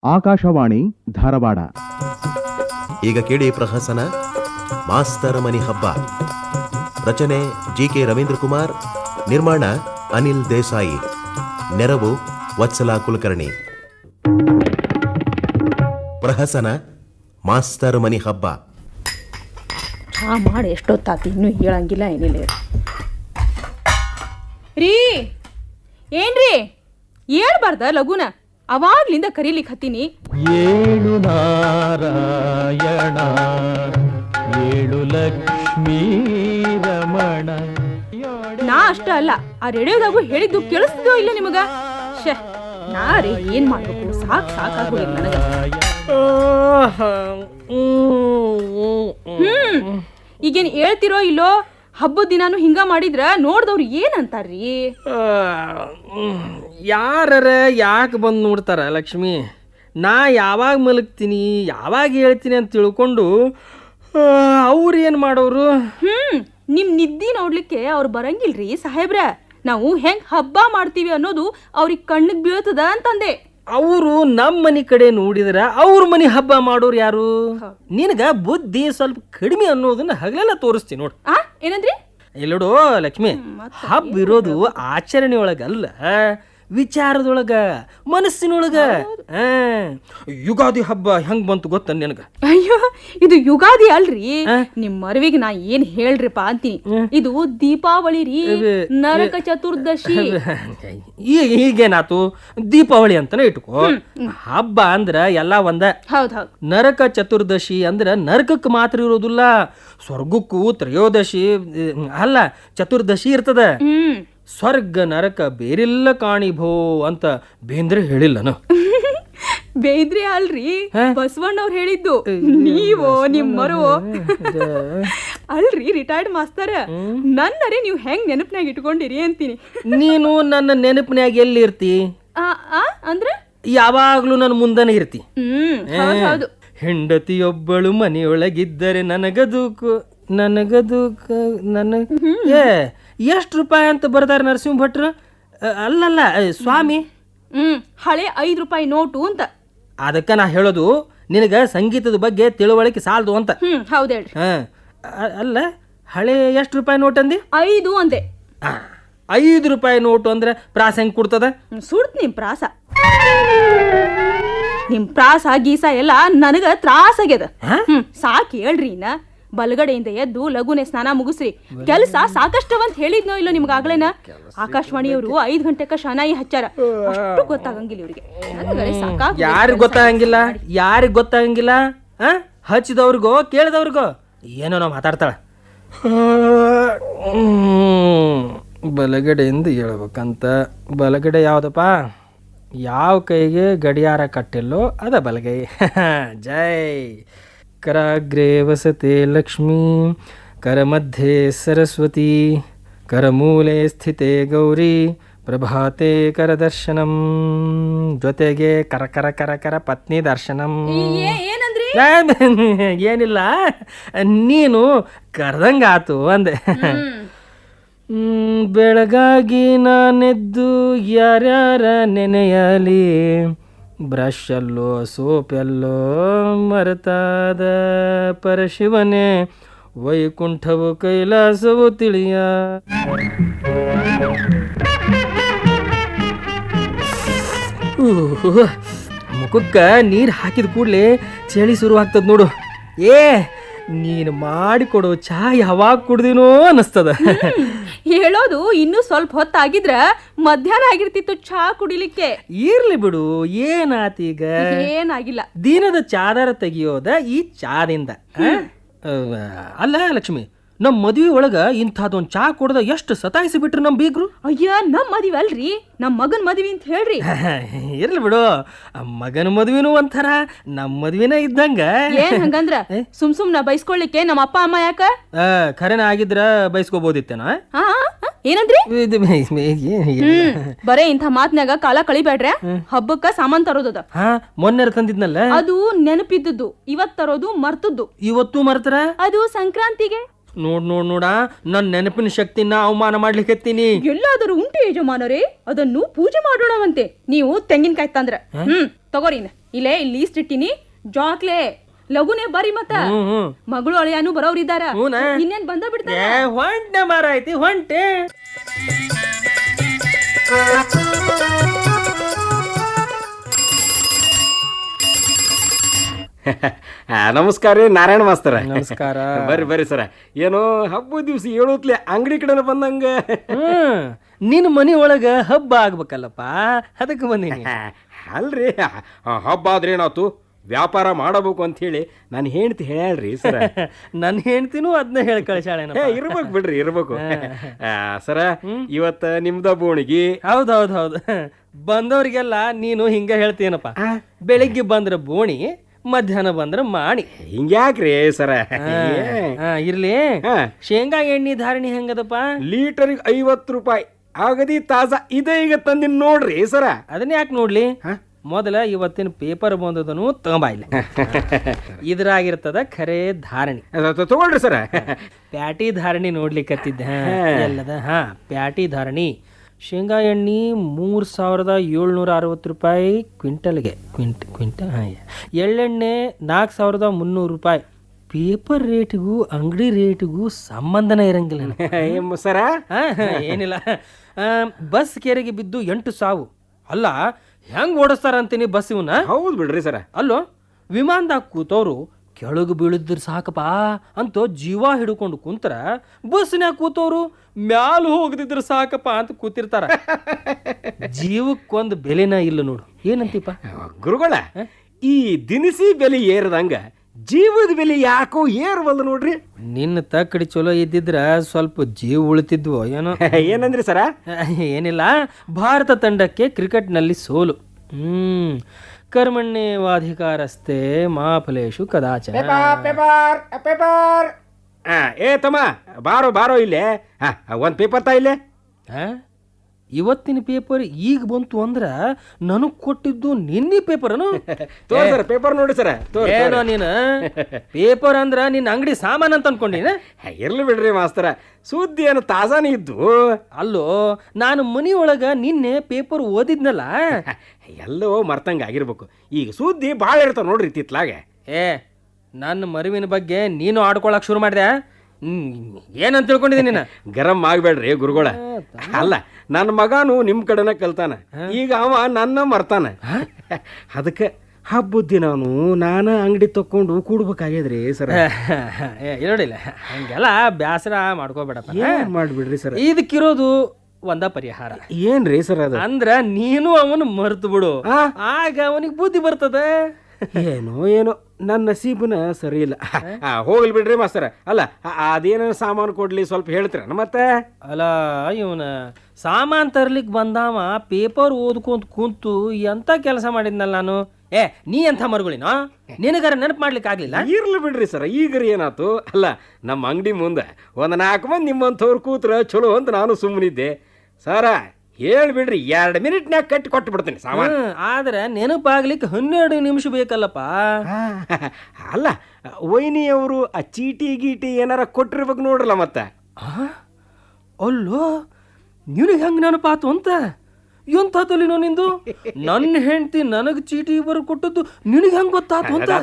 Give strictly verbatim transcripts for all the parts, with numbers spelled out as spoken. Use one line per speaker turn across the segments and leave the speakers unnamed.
ಆಕಾಶವಾಣಿ ಧಾರವಾಡ.
ಈಗ ಕೇಳಿ ಪ್ರಹಸನ ಮಾಸ್ತರ ಮನಿ ಹಬ್ಬ. ರಚನೆ ಜಿ ಕೆ ರವೀಂದ್ರ ಕುಮಾರ್, ನಿರ್ಮಾಣ ಅನಿಲ್ ದೇಸಾಯಿ, ನೆರವು ವತ್ಸಲಾ ಕುಲಕರ್ಣಿ. ಪ್ರಹಸನ ಮಾಸ್ತರ ಮನಿ ಹಬ್ಬ.
ಚಾ ಮಾಡಿ ಎಷ್ಟೊತ್ತಾತಿ, ಇನ್ನೂ ಹೇಳಂಗಿಲ್ಲ ಏನಿಲ್ಲ ರೀ. ಏನ್ರಿ ಹೇಳ್ಬಾರ್ದ ಲಘುನ? ಅವಾಗ್ಲಿಂದ ಕರೀಲಿಕ್ಕೆ ಹತ್ತೀನಿ.
ಏಳು ನಾರಾಯಣ ಏಳು ಲಕ್ಷ್ಮೀ ರಮಣ.
ನಾ ಅಷ್ಟ ಅಲ್ಲ, ಆ ರೇಡಿಯೋದಾಗು ಹೇಳಿದ್ದು ಕೇಳಿಸ್ತಿದೋ ಇಲ್ಲ ನಿಮಗ? ಶೇ, ನಾ ರೀ ಏನ್ ಮಾಡ್ಬೇಕು, ಸಾಕ್ ಸಾಕಾಗೋದಿಲ್ಲ ನನಗ. ಹ್ಮ್ ಈಗೇನ್ ಹೇಳ್ತಿರೋ ಇಲ್ಲೋ? ಹಬ್ಬದ ದಿನಾನು ಹಿಂಗ ಮಾಡಿದ್ರ ನೋಡ್ದವ್ರು ಏನಂತಾರ್ರಿ?
ಯಾರ ಯಾಕೆ ಬಂದು ನೋಡ್ತಾರ ಲಕ್ಷ್ಮಿ? ನಾ ಯಾವಾಗ ಮಲಗ್ತೀನಿ, ಯಾವಾಗ ಹೇಳ್ತೀನಿ ಅಂತ ತಿಳ್ಕೊಂಡು ಅವ್ರು ಏನು ಮಾಡೋರು?
ಹ್ಮ್ ನಿಮ್ ನಿದ್ದಿ ನೋಡ್ಲಿಕ್ಕೆ ಅವ್ರು ಬರಂಗಿಲ್ರಿ ಸಾಹೇಬ್ರ. ನಾವು ಹೆಂಗ್ ಹಬ್ಬ ಮಾಡ್ತೀವಿ ಅನ್ನೋದು ಅವ್ರಿಗೆ ಕಣ್ಣಿಗೆ ಬೀಳ್ತದ ಅಂತಂದೆ.
ಅವರು ನಮ್ಮ ಮನೆ ಕಡೆ ನೋಡಿದ್ರ ಅವ್ರ ಮನೆ ಹಬ್ಬ ಮಾಡೋರು ಯಾರು? ನಿನಗ ಬುದ್ಧಿ ಸ್ವಲ್ಪ ಕಡಿಮೆ ಅನ್ನೋದನ್ನ ಹಗಲೆಲ್ಲ ತೋರಿಸ್ತೀನಿ ನೋಡು.
ಆ ಏನಂದ್ರಿ?
ಇಲ್ಲೋಡು ಲಕ್ಷ್ಮಿ, ಹಬ್ಬ ಇರೋದು ಆಚರಣೆ ಒಳಗಲ್ಲ, ವಿಚಾರದೊಳಗ, ಮನಸ್ಸಿನೊಳಗ. ಯುಗಾದಿ ಹಬ್ಬ ಹೆಂಗ್ ಬಂತು ಗೊತ್ತ ನಿನಗ?
ಅಯ್ಯೋ, ಇದು ಯುಗಾದಿ ಅಲ್ರಿ. ನಿಮ್ ಮರವಿಗೆ ನಾ ಏನ್ ಹೇಳ್ರಿಪ್ಪ ಅಂತೀನಿ, ಇದು ದೀಪಾವಳಿ ರೀ, ನರಕ ಚತುರ್ದಶಿ.
ಈಗ ಈಗೇನಾತು, ದೀಪಾವಳಿ ಅಂತಾನೆ ಇಟ್ಕೋ. ಹಬ್ಬ ಅಂದ್ರ ಎಲ್ಲಾ ಒಂದ.
ಹೌದ್ ಹೌದ್.
ನರಕ ಚತುರ್ದಶಿ ಅಂದ್ರ ನರಕಕ್ಕೆ ಮಾತ್ರ ಇರೋದಿಲ್ಲ, ಸ್ವರ್ಗಕ್ಕೂ ತ್ರಯೋದಶಿ ಅಲ್ಲ ಚತುರ್ದಶಿ ಇರ್ತದ.
ಹ್ಮ್
ಸ್ವರ್ಗ ನರಕ ಬೇರೆಲ್ಲ ಕಾಣಿಭೋ ಅಂತ ಬೇಂದ್ರೆ ಹೇಳಿಲ್ಲನು?
ಬೇಂದ್ರೆ ಅಲ್ರಿ, ಬಸವಣ್ಣವ್ರು ಹೇಳಿದ್ದು. ನೀವೋ ನಿಮ್ಮರು ಅಲ್ರಿ ರಿಟೈರ್ಡ್ ಮಾಸ್ತರ. ನನ್ನರೇ ನೀವು ಹೆಂಗ್ ನೆನಪಿನಾಗ ಇಟ್ಕೊಂಡಿರಿ ಅಂತೀನಿ.
ನೀನು ನನ್ನ ನೆನಪಿನಾಗ ಎಲ್ಲಿ ಇರ್ತಿ?
ಅಂದ್ರೆ
ಯಾವಾಗ್ಲೂ ನನ್ನ ಮುಂದನೆ ಇರ್ತಿ.
ಹ್ಮ್
ಹೆಂಡತಿಯೊಬ್ಬಳು ಮನೆಯೊಳಗಿದ್ದರೆ ನನಗದೂಕು ನನಗದೂಕು ನನ್ನ ಏ ಎಷ್ಟು ರೂಪಾಯಿ ಅಂತ ಬರ್ದಾರ ನರಸಿಂಹ ಭಟ್ರು? ಅಲ್ಲಲ್ಲ ಸ್ವಾಮಿ,
ಹ್ಮ್ ಹಳೆ ಐದು ರೂಪಾಯಿ ನೋಟು ಅಂತ.
ಅದಕ್ಕೆ ನಾ ಹೇಳೋದು ನಿನಗ ಸಂಗೀತದ ಬಗ್ಗೆ ತಿಳುವಳಿಕೆ ಸಾಲದು ಅಂತ.
ಹ್ಮ್ ಹೌದು ಹೇಳ್ರಿ.
ಹಾ ಅಲ್ಲ, ಹಳೆ ಎಷ್ಟು ರೂಪಾಯಿ ನೋಟ್ ಅಂದಿ?
ಐದು ಅಂದೆ.
ಐದು ರೂಪಾಯಿ ನೋಟು ಅಂದ್ರೆ ಪ್ರಾಸ ಹೆಂಗ್ ಕೊಡ್ತದ?
ಸುಡ್ತ ನಿಮ್ ಪ್ರಾಸ, ನಿಮ್ ಪ್ರಾಸ ಗೀಸ ಎಲ್ಲ ನನಗ ತ್ರಾಸ ಆಗ್ಯದ. ಹ್ಮ್ ಸಾಕ್ ಹೇಳ್ರಿ. ಇನ್ನ ಬಲಗಡೆಯಿಂದ ಎದ್ದು ಲಘುನೆ ಸ್ನಾನ ಮುಗಿಸ್ರಿ. ಕೆಲಸ ಸಾಕಷ್ಟವಂತ ಹೇಳಿದ್ನೋ ಇಲ್ಲೋ ನಿಮ್ಗ ಆಗ್ಲೇನ? ಆಕಾಶವಾಣಿಯವರು ಐದ್ ಗಂಟೆಕ ಶನಾಯಿ ಹಚ್ಚಾರ, ಅಷ್ಟು ಗೊತ್ತಾಗಂಗಿಲ್ಲ ಇವ್ರಿಗೆ.
ಯಾರಿಗ್ ಗೊತ್ತಾಗಂಗಿಲ್ಲ? ಯಾರಿಗ್ ಗೊತ್ತಾಗಂಗಿಲ್ಲ? ಹಚ್ಚಿದವ್ರಿಗೋ ಕೇಳಿದವ್ರಿಗೋ ಏನೋ ನಾವು ಮಾತಾಡ್ತಾಳ. ಬಲಗಡೆಯಿಂದ ಹೇಳ್ಬೇಕಂತ. ಬಲಗಡೆ ಯಾವ್ದಪ್ಪ? ಯಾವ ಕೈಗೆ ಗಡಿಯಾರ ಕಟ್ಟಿಲ್ಲೋ ಅದ ಬಲಗೈ. ಜೈ. ಕರಾಗ್ರೇ ವಸತೆ ಲಕ್ಷ್ಮೀ, ಕರಮಧ್ಯೆ ಸರಸ್ವತಿ, ಕರಮೂಲೆ ಸ್ಥಿತೆ ಗೌರಿ, ಪ್ರಭಾತೆ ಕರದರ್ಶನಂ, ಜೊತೆಗೆ ಕರ ಕರ ಕರ ಕರ ಪತ್ನಿ ದರ್ಶನಂ. ಏನಿಲ್ಲ, ನೀನು ಕರೆದಂಗಾತು ಅಂದೆ. ಬೆಳಗಾಗಿ ನಾನೆದ್ದು ಯಾರ್ಯಾರ ನೆನೆಯಲಿ, ಬ್ರಷ್ ಎಲ್ಲೋ ಸೋಪ್ ಎಲ್ಲೋ ಮರೆತಾದ ಪರಶಿವನೇ, ವೈಕುಂಠವು ಕೈಲಾಸವು ತಿಳಿಯ. ಮುಖಕ್ಕ ನೀರು ಹಾಕಿದ ಕೂಡಲೇ ಚಳಿ ಶುರು ಆಗ್ತದ ನೋಡು. ಏ ನೀನು ಮಾಡಿಕೊಡೋ ಚಾ ಯಾವಾಗ ಕುಡ್ದಿನೋ ಅನ್ನಿಸ್ತದ.
ಹೇಳೋದು ಇನ್ನೂ ಸ್ವಲ್ಪ ಹೊತ್ತಾಗಿದ್ರ ಮಧ್ಯಾಹ್ನ ಆಗಿರ್ತಿತ್ತು ಚಾ ಕುಡಿಲಿಕ್ಕೆ.
ಇರ್ಲಿ ಬಿಡು, ಏನಾತೀಗ?
ಏನಾಗಿಲ್ಲ.
ದಿನದ ಚಾದರ ತೆಗಿಯೋದ ಈ ಚಾದಿಂದ. ಅಲ್ಲ ಲಕ್ಷ್ಮಿ, ನಮ್ಮ ಮದ್ವಿ ಒಳಗ ಇಂಥದೊಂದು ಚಾ ಕುಡ್ದ ಎಷ್ಟು ಸತಾಯಿಸಿ ಬಿಟ್ರು ನಮ್ ಬೀಗ್ರು.
ಅಯ್ಯ, ನಮ್ ಮದ್ವಿ ಅಲ್ರಿ, ನಮ್ ಮಗನ್ ಮದ್ವಿ ಅಂತ ಹೇಳ್ರಿ.
ಇರ್ಲಿ ಬಿಡು, ಮಗನ ಮದ್ವಿನೂ ಒಂಥರ ನಮ್ಮ ಮದ್ವಿನ ಇದ್ದಂಗ.
ಏನ್ ಹಂಗಂದ್ರ ಸುಮ್ ಸುಮ್ನ ಬೈಸ್ಕೊಳ್ಲಿಕ್ಕೆ ನಮ್ಮ ಅಪ್ಪ ಅಮ್ಮ ಯಾಕ?
ಖರೇನ ಆಗಿದ್ರ ಬೈಸ್ಕೋಬಹುದಿತ್ತೇನ?
ಏನಂದ್ರಿ? ಬರೇ ಇಂಥ ಮಾತ್ನಾಗ ಕಾಲ ಕಳಿಬೇಡ್ರೆ. ಹಬ್ಬಕ್ಕ ಸಾಮಾನ್ ತರೋದದ.
ಮೊನ್ನೆ ತಂದಿದ್ನಲ್ಲ,
ಅದು ನೆನಪಿದ್ದದ್ದು. ಇವತ್ ತರೋದು ಮರ್ತದ್ದು.
ಇವತ್ತು ಮರ್ತರ?
ಅದು ಸಂಕ್ರಾಂತಿಗೆ.
ನೋಡ್ ನೋಡ್ ನೋಡ, ನನ್ನ ನೆನಪಿನ ಶಕ್ತಿನ ಅವಮಾನ ಮಾಡ್ಲಿಕ್ಕೆ.
ಎಲ್ಲಾದರೂ ಉಂಟು ಯಜಮಾನರೇ, ಅದನ್ನು ಪೂಜೆ ಮಾಡೋಣವಂತೆ. ನೀವು ತೆಂಗಿನಕಾಯಿ ತಂದ್ರ ಹ್ಮ್ ತಗೋರಿನ ಇಲ್ಲೇ ಇಲ್ಲಿ ಲೀಸ್ಟ್ ಇಟ್ಟಿನಿ ಜಾಕ್ಲೆ ಲಗುನೆ ಬರ್ರಿ ಮತ್ತ
ಹ್ಮ್ ಹ್ಮ್
ಮಗಳು ಅಳಿಯಾನು ಬರೋರಿದ್ದಾರ
ಹೂನ?
ಇನ್ನೇನ್ ಬಂದ ಬಿಡ್ತಾರ
ಏ ಹೊಂಟೆ ಮಾರ ಐತಿ ಹೊಂಟೆ.
ನಮಸ್ಕಾರ ರೀ ನಾರಾಯಣ ಮಾಸ್ತರ.
ನಮಸ್ಕಾರ.
ಬರ್ರಿ ಬರ್ರಿ ಸರ. ಏನೋ ಹಬ್ಬದ ದಿವ್ಸ ಹೇಳೋತ್ಲೆ ಅಂಗಡಿ ಕಡೆ ಬಂದಂಗ.
ಹ್ಮ್ ನಿನ್ನ ಮನಿ ಒಳಗ ಹಬ್ಬ ಆಗ್ಬೇಕಲ್ಲಪ್ಪ, ಅದಕ್ಕೆ ಬಂದೀನಿ.
ಅಲ್ರಿ ಹಬ್ಬ ಆದ್ರೆ ಏನಾತು, ವ್ಯಾಪಾರ ಮಾಡಬೇಕು ಅಂತ ಹೇಳಿ ನಾನು ಹೆಂಡ್ತಿ ಹೇಳ್ರಿ ಸರ.
ನನ್ನ ಹೆಂಡ್ತಿನೂ ಅದನ್ನ ಹೇಳಿ ಕಳಿಸಾಳೇನ.
ಇರ್ಬೇಕು ಬಿಡ್ರಿ ಇರ್ಬೇಕು ಸರ. ಇವತ್ತ ನಿಮ್ದ ಬೋಣಿಗಿ.
ಹೌದೌದ್ ಹೌದು. ಬಂದವ್ರಿಗೆಲ್ಲ ನೀನು ಹಿಂಗ ಹೇಳ್ತೀನಪ್ಪ, ಬೆಳಿಗ್ಗೆ ಬಂದ್ರ ಬೋಣಿ, ಮಧ್ಯಾಹ್ನ ಬಂದ್ರ ಮಾಣಿ.
ಹಿಂಗ್ಯಾಕ್ರಿ ಸರ?
ಇರ್ಲಿ. ಶೇಂಗಾ ಎಣ್ಣೆ ಧಾರಣಿ ಹೆಂಗದಪ್ಪ?
ಲೀಟರ್ಗೆ ಐವತ್ತು ರೂಪಾಯಿ ಆಗದಿ ತಾಜಾ ಇದೆ ಈಗ ತಂದಿನ್ ನೋಡ್ರಿ ಸರ.
ಅದನ್ನ ಯಾಕೆ ನೋಡ್ಲಿ, ಮೊದಲ ಇವತ್ತಿನ ಪೇಪರ್ ಬಂದದನು ತಗೊಂಬ ಇಲ್ಲ. ಇದ್ರಾಗಿರ್ತದ ಖರೆ ಧಾರಣಿ.
ತಗೊಳ್ರಿ ಸರ.
ಪ್ಯಾಟಿ ಧಾರಣಿ ನೋಡ್ಲಿಕ್ಕತ್ತಿದ್ದ ಎಲ್ಲದ. ಹಾ ಪ್ಯಾಟಿ ಧಾರಣಿ ಶೇಂಗಾ ಎಣ್ಣೆ ಮೂರು ಸಾವಿರದ ಏಳ್ನೂರ ಅರವತ್ತು ರೂಪಾಯಿ ಕ್ವಿಂಟಲ್ಗೆ. ಕ್ವಿಂಟ್ ಕ್ವಿಂಟಲ್ ಹಾಂ. ಎಳ್ಳೆಣ್ಣೆ ನಾಲ್ಕು ಸಾವಿರದ ಮುನ್ನೂರು ರೂಪಾಯಿ. ಪೇಪರ್ ರೇಟಿಗೂ ಅಂಗಡಿ ರೇಟಿಗೂ ಸಂಬಂಧನೇ ಇರಂಗಿಲ್ಲ
ಸರ.
ಏನಿಲ್ಲ. ಬಸ್ ಕೆರೆಗೆ ಬಿದ್ದು ಎಂಟು ಸಾವು. ಅಲ್ಲ ಹೆಂಗ್ ಓಡಿಸ್ತಾರ ಅಂತೀನಿ ಬಸ್ ಇವನ್ನ.
ಹೌದು ಬಿಡ್ರಿ ಸರ.
ಅಲ್ಲೋ ವಿಮಾನದಾಗ ಕೂತವ್ರು ಕೆಳಗೆ ಬೀಳಿದ್ರ ಸಾಕಪ್ಪ ಅಂತ ಜೀವ ಹಿಡ್ಕೊಂಡು ಕುಂತರ, ಬಸ್ನ್ಯಾಗ ಕೂತವ್ರು ಮ್ಯಾಲ ಹೋಗದಿದ್ರ ಸಾಕಪ್ಪ ಅಂತ ಕೂತಿರ್ತಾರ. ಜೀವಕ್ಕೊಂದು ಬೆಲೆನ ಇಲ್ಲ ನೋಡು. ಏನಂತೀಪ
ಗುರುಗಳ, ಈ ದಿನಸಿ ಬೆಲೆ ಏರದಂಗ ಜೀವದ ಬೆಲೆ ಯಾಕೋ ಏರ್ವಲ್ದು ನೋಡ್ರಿ.
ನಿನ್ನ ತಕ್ಕಡಿ ಚಲೋ ಇದ್ದಿದ್ರ ಸ್ವಲ್ಪ ಜೀವ ಉಳಿತಿದ್ವು ಏನೋ.
ಏನಂದ್ರಿ ಸರ?
ಏನಿಲ್ಲ, ಭಾರತ ತಂಡಕ್ಕೆ ಕ್ರಿಕೆಟ್ನಲ್ಲಿ ಸೋಲು. ಹ್ಮ್ ಕರ್ಮಣ್ಯೇವಾಧಿಕಾರಸ್ತೆ ಮಾ ಫಲೇಶು ಕದಾಚನ.
ಏ ತಮ್ಮ ಬಾರೋ ಬಾರೋ ಇಲ್ಲೇ. ಒಂದ್ ಪೇಪರ್ ತಾ ಇಲ್ಲೇ.
ಇವತ್ತಿನ ಪೇಪರ್ ಈಗ ಬಂತು ಅಂದ್ರ ನನಗ್ ಕೊಟ್ಟಿದ್ದು ನಿನ್ನೆ ಪೇಪರ್ನು.
ಸರ್ ಪೇಪರ್ ನೋಡಿ ಸರ.
ಏನೋ ನೀನು ಪೇಪರ್ ಅಂದ್ರ ನಿನ್ನ ಅಂಗಡಿ ಸಾಮಾನ್ ಅಂತ ಅನ್ಕೊಂಡಿನ.
ಇರ್ಲಿ ಬಿಡ್ರಿ ಮಾಸ್ತರ, ಸುದ್ದಿ ಏನು ತಾಜಾನೇ ಇದ್ದು.
ಅಲ್ಲೋ ನಾನು ಮನಿ ಒಳಗ ನಿನ್ನೆ ಪೇಪರ್ ಓದಿದ್ನಲ್ಲ,
ಎಲ್ಲೋ ಮರ್ತಂಗ ಆಗಿರ್ಬೇಕು. ಈಗ ಸುದ್ದಿ ಭಾಳ ಇರ್ತಾವ ನೋಡ್ರಿ ತಿತ್ಲಾಗೆ.
ಏ ನನ್ನ ಮರುವಿನ ಬಗ್ಗೆ ನೀನು ಆಡ್ಕೊಳಕ್ ಶುರು ಮಾಡಿದೆ. ಹ್ಮ್ ಏನಂತ ತಿಳ್ಕೊಂಡಿದ್ದೀನಿ ನೀನು.
ಗರಂ ಆಗ್ಬೇಡ್ರಿ ಗುರುಗಳ. ಅಲ್ಲ ನನ್ನ ಮಗನು ನಿಮ್ ಕಡೆನ ಕಲ್ತಾನ, ಈಗ ಅವ ನನ್ನ ಮರ್ತಾನ. ಅದಕ್ಕೆ ಹಬ್ಬದ ದಿನಾನು ನಾನು ಅಂಗಡಿ ತಕೊಂಡು ಕೂಡ್ಬೇಕಾಗ್ಯದ್ರಿ ಸರ್.
ನೋಡಿಲ್ಲ ಹಂಗೆಲ್ಲ ಬ್ಯಾಸರ ಮಾಡ್ಕೋಬೇಡಪ್ಪ.
ಮಾಡ್ಬಿಡ್ರಿ ಸರ್.
ಇದಕ್ಕಿರೋದು ಒಂದ ಪರಿಹಾರ.
ಏನ್ರಿ ಸರ್ ಅದು?
ಅಂದ್ರ ನೀನು ಅವನು ಮರ್ತು ಬಿಡು, ಆಗ ಅವನಿಗೆ ಬುದ್ಧಿ ಬರ್ತದ.
ಏನೋ ಏನೋ ನನ್ನ ನಸೀಬನ ಸರಿ ಇಲ್ಲ. ಹೋಗ್ಲಿ ಬಿಡ್ರಿ ಮಾಸ್ತರ. ಅಲ್ಲ ಅದೇನ ಸಾಮಾನು ಕೊಡ್ಲಿ ಸ್ವಲ್ಪ ಹೇಳ್ತೀರ ಮತ್ತೆ?
ಅಲ್ಲ ಇವನ ಸಾಮಾನ್ ತರ್ಲಿಕ್ ಬಂದಾವ ಪೇಪರ್ ಓದ್ಕೊಂತ ಕುಂತು ಎಂತ ಕೆಲಸ ಮಾಡಿದ್ನಲ್ಲ ನಾನು. ಏ ನೀ ಎಂಥ ಮರುಗಳಿನೋ, ನಿನಗಾರ ನೆನಪು ಮಾಡ್ಲಿಕ್ಕೆ ಆಗ್ಲಿಲ್ಲ.
ಇರ್ಲಿ ಬಿಡ್ರಿ ಸರ್, ಈಗರಿ ಏನಾತು. ಅಲ್ಲ ನಮ್ಮ ಅಂಗಡಿ ಮುಂದೆ ಒಂದ್ ನಾಲ್ಕು ಮಂದಿ ನಿಮ್ಮಂಥವ್ರು ಕೂತ್ರ ಚಲೋ ಅಂತ ನಾನು ಸುಮ್ಮನಿದ್ದೆ ಸರ. ಹೇಳ್ಬಿಡ್ರಿ, ಎರಡು ಮಿನಿಟ್ನ್ಯಾಗ ಕಟ್ಟಿ ಕೊಟ್ಟು ಬಿಡ್ತೀನಿ ಸಾಮಾನು.
ಆದ್ರೆ ನೆನಪಾಗ್ಲಿಕ್ಕೆ ಹನ್ನೆರಡು ನಿಮಿಷ ಬೇಕಲ್ಲಪ್ಪ.
ಅಲ್ಲ ವೈನಿಯವರು ಆ ಚೀಟಿ ಗೀಟಿ ಏನಾರ ಕೊಟ್ಟಿರ್ಬೇಕು ನೋಡ್ರಲ್ಲ ಮತ್ತೆ.
ಅಲ್ಲೋ ನಿನಗೆ ಹೆಂಗ್ ನೆನಪಾತು ಅಂತ. ಎಂತ ತಲಿನೋ ನಿಂದು. ನನ್ನ ಹೆಂಡತಿ ನನಗ್ ಚೀಟಿ ಬರ್ ಕೊಟ್ಟದ್ದು ನಿನಗೆ ಹೆಂಗ್ ಗೊತ್ತಾತು ಅಂತ.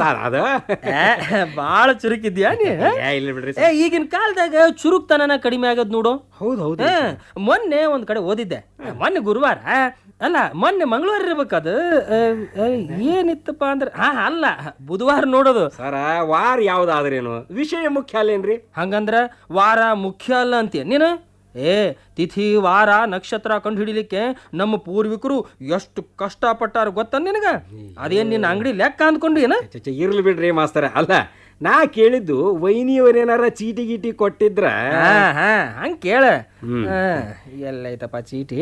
ಬಾಳ ಚುರುಕಿದ್ಯಾ ನೀ. ಈಗಿನ ಕಾಲದಾಗ ಚುರುಕ್ತನ ಕಡಿಮೆ ಆಗದ್ ನೋಡು.
ಹೌದು ಹೌದು.
ಮೊನ್ನೆ ಒಂದ್ ಕಡೆ ಓದಿದ್ದೆ, ಮೊನ್ನೆ ಗುರುವಾರ ಅಲ್ಲ ಮೊನ್ನೆ ಮಂಗಳವಾರ ಇರ್ಬೇಕದು. ಏನಿತ್ತಪ್ಪ ಅಂದ್ರೆ ಹಾ ಅಲ್ಲ ಬುಧವಾರ ನೋಡೋದು.
ಸರ ವಾರ ಯಾವ್ದಾದ್ರೇನು ವಿಷಯ ಮುಖ್ಯ ಅಲ್ಲೇನ್ರಿ?
ಹಂಗಂದ್ರ ವಾರ ಮುಖ್ಯ ಅಲ್ಲ ಅಂತೀಯ ನೀನು. ಏ ತಿಥಿ ವಾರ ನಕ್ಷತ್ರ ಕಂಡು ಹಿಡಿಲಿಕ್ಕೆ ನಮ್ಮ ಪೂರ್ವಿಕರು ಎಷ್ಟು ಕಷ್ಟಪಟ್ಟಾರ ಗೊತ್ತ ನಿನಗ. ಅದೇನ್ ನಿನ್ನ ಅಂಗಡಿ ಲೆಕ್ಕ ಅಂದ್ಕೊಂಡು ಏನ?
ಇರ್ಲಿ ಬಿಡ್ರಿ ಮಾಸ್ತರ. ಅಲ್ಲ ನಾ ಕೇಳಿದ್ದು ವೈನಿಯವರೇನಾರ ಚೀಟಿ ಗೀಟಿ ಕೊಟ್ಟಿದ್ರ.
ಹಾ ಹಂಗ ಕೇಳ. ಎಲ್ಲೈತಪ್ಪ ಚೀಟಿ?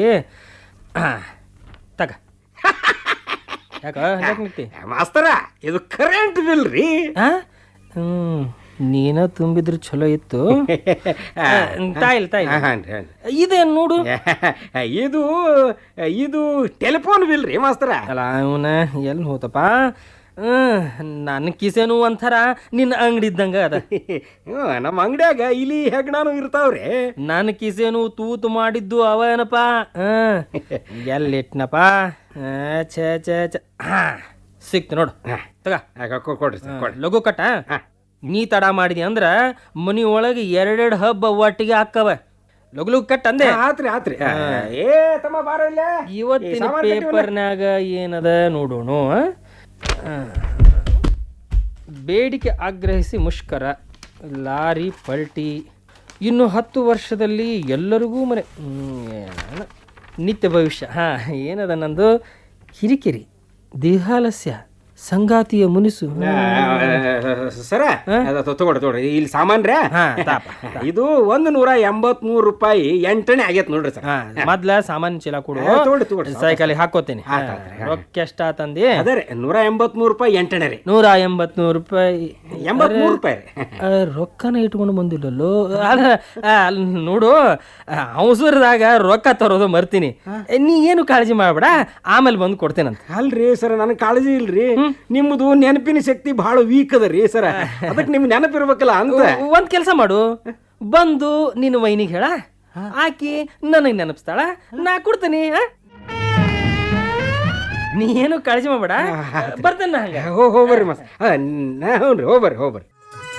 ತಗ ಯಾಕ
ಮಾಸ್ತರ, ಇದು ಕರೆಂಟ್ ಬಿಲ್ ರೀ.
ಹ್ಮ್ ನೀನ ತುಂಬಿದ್ರು ಚಲೋ ಇತ್ತು. ತಾಯಿಲ್ ತಾಯಿ ಇದೇನ್ ನೋಡು.
ಇದು ಇದು ಟೆಲಿಫೋನ್ ಬಿಲ್ ರೀ ಮಾಸ್ತರ.
ಅಲ್ಲ ಅವನ ಎಲ್ಲಿ ಹೋತಪ್ಪ. ನನ್ನ ಕಿಸೆನು ಒಂಥರ ನಿನ್ನ ಅಂಗಡಿ ಇದ್ದಂಗ ಅದ.
ನಮ್ಮ ಅಂಗಡಿಯಾಗ ಇಲ್ಲಿ ಹೆಗ್ಣಾನು ಇರ್ತಾವ್ರಿ.
ನನ್ನ ಕಿಸೆನು ತೂತು ಮಾಡಿದ್ದು ಅವ ಏನಪ್ಪ. ಎಲ್ಲಿಟ್ನಪ್ಪ. ಛೇ ಛೇ ಛೇ ಹಾ ಸಿಕ್ತು ನೋಡು ತಗ
ಆಗ ಕೊ- ಕೊಡ್ರಿ ಸರ್ ಕೊಡ್ರಿ
ಲಘು ಕಟ್ಟ ನೀ ತಡ ಮಾಡಿದಿ ಅಂದ್ರ ಮನಿ ಒಳಗೆ ಎರಡೆರಡು ಹಬ್ಬ ಒಟ್ಟಿಗೆ ಹಾಕವ ಲಘು ಲಘು ಕಟ್ ಅಂದೆ
ಆತ್ರಿ ಆತ್ರಿ ಏ ತಮ್ಮ ಬಾರ ಇಲ್ಲೇ
ಇವತ್ತಿನ ಪೇಪರ್ನಾಗ ಏನದ ನೋಡೋಣ ಆ, ಬೇಡಿಕೆ ಆಗ್ರಹಿಸಿ ಮುಷ್ಕರ ಲಾರಿ ಪಲ್ಟಿ ಇನ್ನು ಹತ್ತು ವರ್ಷದಲ್ಲಿ ಎಲ್ಲರಿಗೂ ಮನೆ ಹ್ಮ್, ಏನ ನಿತ್ಯ ಭವಿಷ್ಯ ಹಾಂ ಏನದ ನಂದು ಕಿರಿಕಿರಿ ದೇಹಾಲಸ್ಯ ಸಂಗಾತಿಯ ಮುನಿಸು
ಸರ ತಗೊಳ್ರಿ ತಗೊಳ್ರಿ ಇಲ್ಲಿ ಸಾಮಾನ್ರ
ಹಾ, ತಾಪ,
ಇದು ಒಂದು ನೂರ ಎಂಬತ್ ಮೂರು ರೂಪಾಯಿ ಎಂಟನೇ ಆಗೈತೆ ನೋಡ್ರಿ ಸರ್
ಹಾಂ ಮೊದ್ಲ ಸಾಮಾನು ಚೀಲ ಕೊಡು
ಹಾ, ತಗೊಳ್ರಿ, ತಗೊಳ್ರಿ.
ಸೈಕಲಿಗೆ ಹಾಕೋತೇನೆ
ಆತ್, ಆತ್, ಆತ್.
ರೊಕ್ಕ ಎಷ್ಟಾತಂದಿ
ಅದೇ ರೀ ನೂರ ಎಂಬತ್ ಮೂರು ರೂಪಾಯಿ ಎಂಟನೇ ರೀ
ನೂರ ಎಂಬತ್ಮೂರು ರೂಪಾಯಿ
ಎಂಬತ್ ಮೂರು ರೂಪಾಯಿ ರೀ
ಆ, ರೊಕ್ಕನ ಇಟ್ಕೊಂಡು ಬಂದಿಲ್ಲಲ್ಲೋ ಅಲ್ಲ ಆ, ಅಲ್ಲಿ ನೋಡು ಅವಸರದಾಗ ರೊಕ್ಕ ತರೋದು ಮರ್ತೀನಿ ನೀ ಏನು ಕಾಳಜಿ ಮಾಡ್ಬೇಡ ಆಮೇಲೆ ಬಂದು ಕೊಡ್ತೇನಂತ
ಅಲ್ರಿ ಸರ್ ನನಗೆ ಕಾಳಜಿ ಇಲ್ರಿ ನಿಮ್ಮದು ನೆನಪಿನ ಶಕ್ತಿ ಬಹಳ ವೀಕ್ ಅದ ರೀ ಸರ ಅದಕ್ಕೆ ನಿಮ್ಗೆ ನೆನಪಿರ್ಬೇಕಲ್ಲ ಅಂತ
ಒಂದ್ ಕೆಲಸ ಮಾಡು ಬಂದು ನೀನು ವೈನಿಗೆ ಹೇಳ ಆಕಿ ನನಗೆ ನೆನಪಿಸ್ತಾಳ ನಾ ಕೊಡ್ತೀನಿ ಆ? ನೀ ಏನು ಕಾಳಜಿ ಮಾಡ್ಬೇಡ ಬರ್ತೇನೆ ನಾ ಹಂಗ
ಹೋ ಹೋಗ್ಬರ್ರಿ ಮಸ್ ಹ್ಞೂ ರೀ ಹೋಗ್ಬರ್ರಿ ಹೋಗ್ಬರ್ರಿ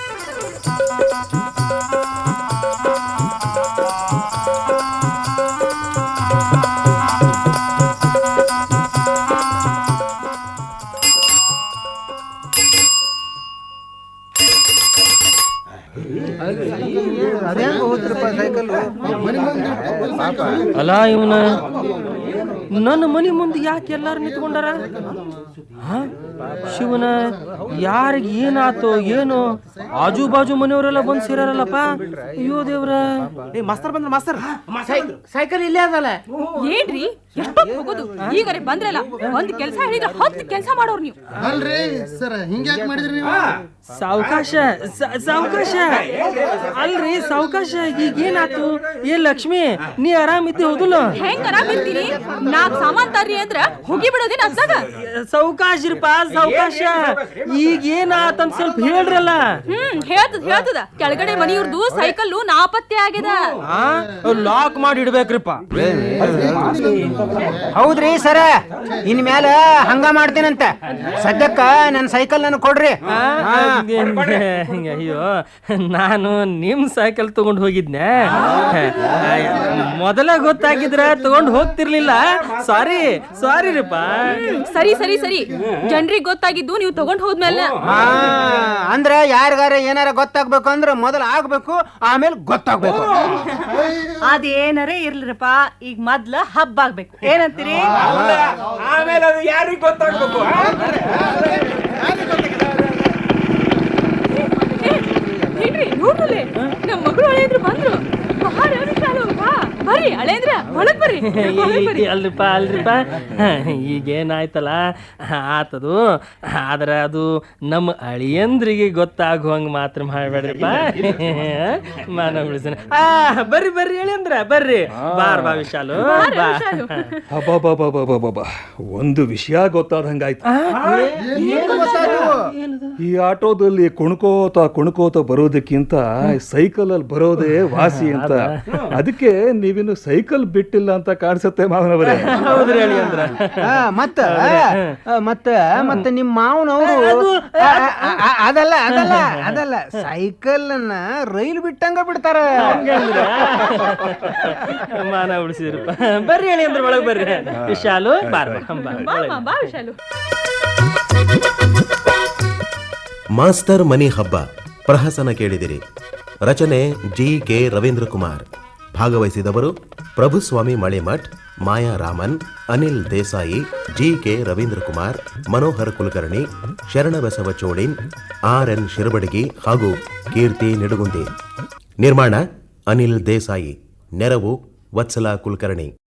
ಅಲ್ಲ ಇವನ ನನ್ನ ಮನಿ ಮುಂದೆ ಯಾಕೆ ಎಲ್ಲಾರು ನಿಂತ್ಕೊಂಡಾರ ಹಾ? ಶಿವನ ಯಾರಿಗೆ ಏನಾತೋ ಏನೋ ಆಜು ಬಾಜು ಮನೆಯವರೆಲ್ಲ ಬಂದು ಸೇರಾರಲ್ಲಪ್ಪ ಅಯ್ಯೋ ದೇವ್ರ
ಮಾಸ್ತರ್ ಬಂದ್ರ ಮಾಸ್ತರ್ ಸೈಕಲ್ ಇಲ್ಲೇ ಅದಲ್ಲ
ಏನ್ರಿ ಎಷ್ಟೊತ್ತು ಹೋಗೋದು ಈಗರೆ ಬಂದ್ರಲ್ಲ ಒಂದ್ ಕೆಲ್ಸ ಹೇಳಿದ್ರೆ ಹತ್ತು ಕೆಲ್ಸ ಮಾಡೋರು ನೀವು
ಅಲ್ರಿ ಸರ್ ಹಿಂಗ್ಯಾಕ್ ಮಾಡಿದ್ರಿ ನೀವು
ಸಾವಕಾಶ ಸಾವಕಾಶ ಅಲ್ರಿ ಸಾವಕಾಶ ಈಗ ಏನಾತು ಏ ಲಕ್ಷ್ಮಿ ನೀ ಆರಾಮಿದ್ದಿ ಹೌದಲ್ಲ
ಹೆಂಗ್ ಆರಾಮ್ ಇರ್ತೀರಿ ನಾಕ್ ಸಾಮಾನ್ ತರ್ರಿ ಅಂದ್ರ ಹೋಗಿ ಬಿಡೋದೇನ ಅದ್ರಾಗ
ಸಾವಕಾಶ ಇರಪ್ಪ ಸಾವಕಾಶ ಈಗ ಏನಾತಂತ ಸ್ವಲ್ಪ ಹೇಳ್ರಲ್ಲ
ಹ್ಮ್ ಹೇಳ್ತದ ಹೇಳ್ತದ ಕೆಳಗಡೆ ಮನಿಯವ್ರದು ಸೈಕಲ್ ನಾಪತ್ತೆ ಆಗ್ಯದ
ಲಾಕ್ ಮಾಡಿ ಇಡ್ಬೇಕ್ರಿಪ್ಪ
ಹೌದ್ರಿ ಸರ ಇನ್ ಮ್ಯಾಲ ಹಂಗ ಮಾಡ್ತೀನಂತ ಸದ್ಯಕ್ಕ ನನ್ನ ಸೈಕಲ್ ನನಗೆ ಕೊಡ್ರಿ
ಅಯ್ಯೋ ನಾನು ನಿಮ್ ಸೈಕಲ್ ತಗೊಂಡ್ ಹೋಗಿದ್ನೆ ಮೊದಲ ಗೊತ್ತಾಗಿದ್ರ ತಗೊಂಡ್ ಹೋಗ್ತಿರ್ಲಿಲ್ಲ ಸಾರಿ ಸಾರಿ ರೀಪ
ಸರಿ ಸರಿ ಸರಿ ಜನ್ರಿಗೆ ಗೊತ್ತಾಗಿದ್ದು ನೀವು ತಗೊಂಡ್ ಹೋದ್ಮೇಲೆ
ಹಾ ಅಂದ್ರ ಯಾರಿಗಾರ ಏನಾರ ಗೊತ್ತಾಗ್ಬೇಕು ಅಂದ್ರ ಮೊದಲ ಆಗ್ಬೇಕು ಆಮೇಲೆ ಗೊತ್ತಾಗ್ಬೇಕು
ಅದೇನರೇ ಇರ್ಲಿರಪ್ಪ ಈಗ ಮೊದ್ಲ ಹಬ್ಬ ಆಗ್ಬೇಕು ಏನಂತೀರಿ
ಆಮೇಲೆ ಅದು ಯಾರಿಗೆ ಗೊತ್ತಾಗ್ಬೇಕು
ಏನ್ರಿ ನೋಡ್ರಲ್ಲೇ ನಮ್ಮ ಮಗಳು ಹಳೆಯದ್ರು ಬಂದ್ರು ಬಹಳ ವಿಶಾಲು ಬಾ ಬರ್ರಿ ಹಳೆಯದ್ರ ಒಳಗ್ ಬರ್ರಿ ಒಳಗ್ ಬರ್ರಿ.
ಅಲ್ರಿಪ್ಪ ಅಲ್ರಿಪ್ಪ ಈಗೇನಾಯ್ತಲ್ಲ ಆತದು ಆದ್ರೆ ಅದು ನಮ್ಮ ಅಳಿಯಂದ್ರಿಗೆ ಗೊತ್ತಾಗುವಂಗ ಮಾತ್ರ ಮಾಡ್ಬೇಡ್ರಿಪ್ಪ ಮಾನ ಉಳಿಸನ ಆ ಬರ್ರಿ ಬರ್ರಿ ಅಳಿಯಂದ್ರ ಬರ್ರಿ ಬಾರ್ ಬಾ ವಿಶಾಲು ಬಾ
ಅಬ್ಬಬ್ಬಬ್ಬಬ್ಬಬ್ಬಬ್ಬ. ಒಂದು ವಿಷಯ ಗೊತ್ತಾದಂಗಾಯ್ತು. ಈ ಆಟೋದಲ್ಲಿ ಕುಣ್ಕೋತ ಕುಣ್ಕೋತ ಬರೋದಕ್ಕಿಂತ ಸೈಕಲ್ ಅಲ್ಲಿ ಬರೋದೇ ವಾಸಿ ಅಂತ. ಅದಕ್ಕೆ ನೀವಿನ್ನು ಸೈಕಲ್ ಬಿಟ್ಟಿಲ್ಲ ಅಂತ ಕಾಣಿಸುತ್ತೆ ಮಾವನವರೇ.
ಹೌದ್ರಿ ಅಳಿಯಂದ್ರ
ಮತ್ತ ಮತ್ತ ಮತ್ತ ನಿಮ್ಮ ಮಾವನವರು ಅದಲ್ಲ ಅದಲ್ಲ ಅದಲ್ಲ ಸೈಕಲ್ ಅನ್ನ ರೈಲು ಬಿಟ್ಟಂಗ ಬಿಡ್ತಾರ.
ಮಾನ ಉಳಿಸಿದ್ರಪ್ಪ ಬರ್ರಿ ಅಳಿಯಂದ್ರ ಒಳಗ್ ಬರ್ರಿ ವಿಶಾಲು ಬಾರ್ ಬಾ
ಬಾ ಅಮ್ಮ, ಬಾ ವಿಶಾಲು.
ಮಾಸ್ತರ್ ಮನಿ ಹಬ್ಬ ಪ್ರಹಸನ ಕೇಳಿದಿರಿ. ರಚನೆ ಜಿ ಕೆ ರವೀಂದ್ರ ಕುಮಾರ್. ಭಾಗವಹಿಸಿದವರು Prabhuswamy Malimath, Maya Raman, Anil Desai, G K Ravindra Kumar, Manohar Kulkarni, Sharanabasava Cholin, R N Shirabadagi ಹಾಗೂ ಕೀರ್ತಿ ನಿಡುಗುಂದಿ. ನಿರ್ಮಾಣ ಅನಿಲ್ ದೇಸಾಯಿ. ನೆರವು ವತ್ಸಲಾ ಕುಲಕರ್ಣಿ.